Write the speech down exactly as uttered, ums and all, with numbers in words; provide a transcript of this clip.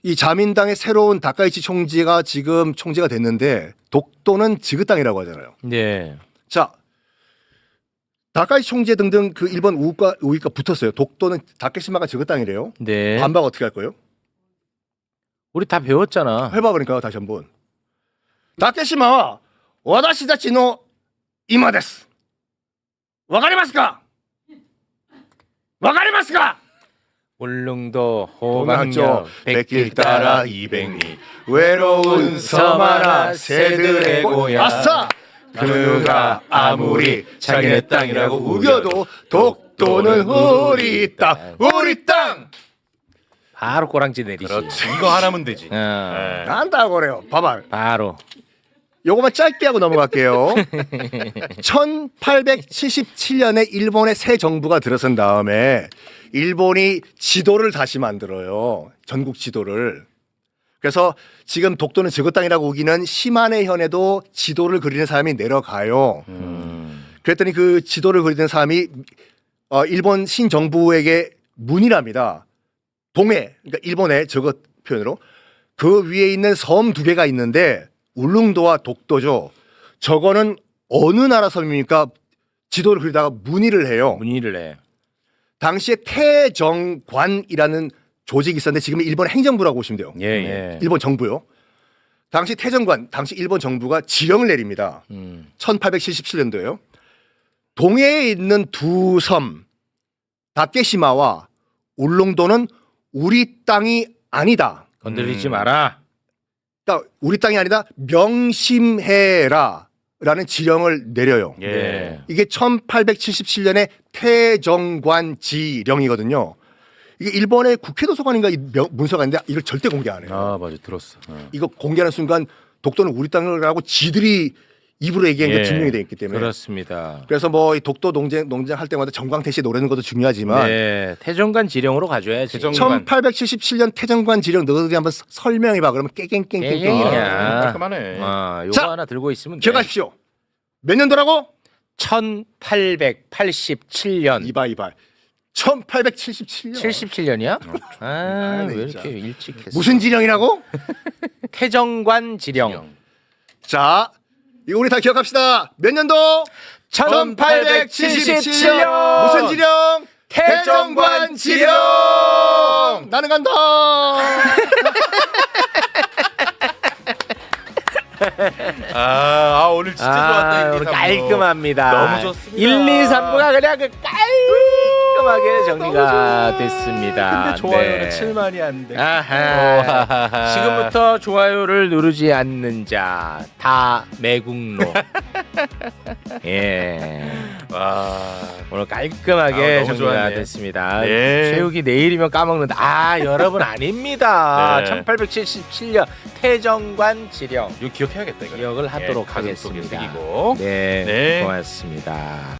이 자민당의 새로운 다카이치 총재가 지금 총재가 됐는데 독도는 지긋땅이라고 하잖아요. 네. 자, 다카이치 총재 등등 그 일본 우익과 우익과 붙었어요. 독도는 다케시마가 지긋땅이래요. 네. 반박 어떻게 할 거예요? 우리 다 배웠잖아. 해봐 그러니까 다시 한번. 다케시마와 와다시다치노 이마데스. 와가리마스까? 와가리마스까? 울릉도 호강역 호강역 백길 따라 이백리 외로운 섬 하나 새들의 고향. 아싸! 그가 아무리 자기네 땅이라고 우겨도 독도는 우리 땅, 우리 땅. 바로 꼬랑지 내리시. 그렇지. 이거 하나면 되지. 어, 난다고 그래요. 봐봐. 바로. 요거만 짧게 하고 넘어갈게요. 천팔백칠십칠 년에 일본의 새 정부가 들어선 다음에 일본이 지도를 다시 만들어요. 전국 지도를. 그래서 지금 독도는 지긋땅이라고 우기는 시마네현에도 지도를 그리는 사람이 내려가요. 음. 그랬더니 그 지도를 그리는 사람이 어, 일본 신정부에게 문의를 합니다. 동해, 그러니까 일본의 저것 표현으로 그 위에 있는 섬 두 개가 있는데 울릉도와 독도죠. 저거는 어느 나라 섬입니까? 지도를 그리다가 문의를 해요. 문의를 해. 당시에 태정관이라는 조직이 있었는데 지금 일본 행정부라고 보시면 돼요. 예, 예. 일본 정부요. 당시 태정관, 당시 일본 정부가 지령을 내립니다. 음. 천팔백칠십칠 년도에요. 동해에 있는 두 섬, 다케시마와 울릉도는 우리 땅이 아니다. 건드리지 음. 마라. 그러니까 우리 땅이 아니다. 명심해라. 라는 지령을 내려요. 예. 네. 이게 천팔백칠십칠 년에 태정관 지령이거든요. 이게 일본의 국회 도서관인가 이 명- 문서가 있는데 이걸 절대 공개 안 해요. 아 맞아 들었어. 어. 이거 공개하는 순간 독도는 우리 땅이라고 지들이 입으로 얘기한 게 예. 증명이 돼 있기 때문에. 그렇습니다. 그래서 뭐 이 독도 농장 농장 할 때마다 정광태 씨 노래는 것도 중요하지만 네. 태정관 지령으로 가져야지. 태정- 천팔백칠십칠 년 태정관 지령 너희들이 한번 서- 설명해봐. 그러면 깨갱깽깽깽. 깨갱이야. 아, 깔끔하네. 아, 요거 자, 하나 들고 있으면 돼. 기억하십시오. 몇 년도라고? 천팔백팔십칠 년. 이봐 이봐. 천팔백칠십칠 년. 칠십칠 년이야? 아, 아, 네, 왜 진짜. 이렇게 일찍 했어? 무슨 지령이라고? 태정관 지령. 자, 이거 우리 다 기억합시다. 몇 년도? 천팔백칠십칠 년. 무슨 지령? 태정관 지령. 나는 간다. 아, 아 오늘 진짜 좋았다. 아, 일, 이, 오늘 삼 부. 깔끔합니다. 너무 좋습니다. 일, 이, 삼 부가 그냥 그 깔끔하게 정리가 됐습니다. 근데 좋아요는 네. 칠만이 안 돼. 아하. 지금부터 좋아요를 누르지 않는 자 다 매국노. 예. 와. 오늘 깔끔하게 아, 너무 정리가 좋았네. 됐습니다. 네. 체육이 내일이면 까먹는다. 아, 여러분 아닙니다. 네. 천팔백칠십칠 년 태정관 지령 이거 기억해야겠다. 이거. 기억을 하도록 가슴 속에 하겠습니다. 새기고. 네, 네. 고맙습니다.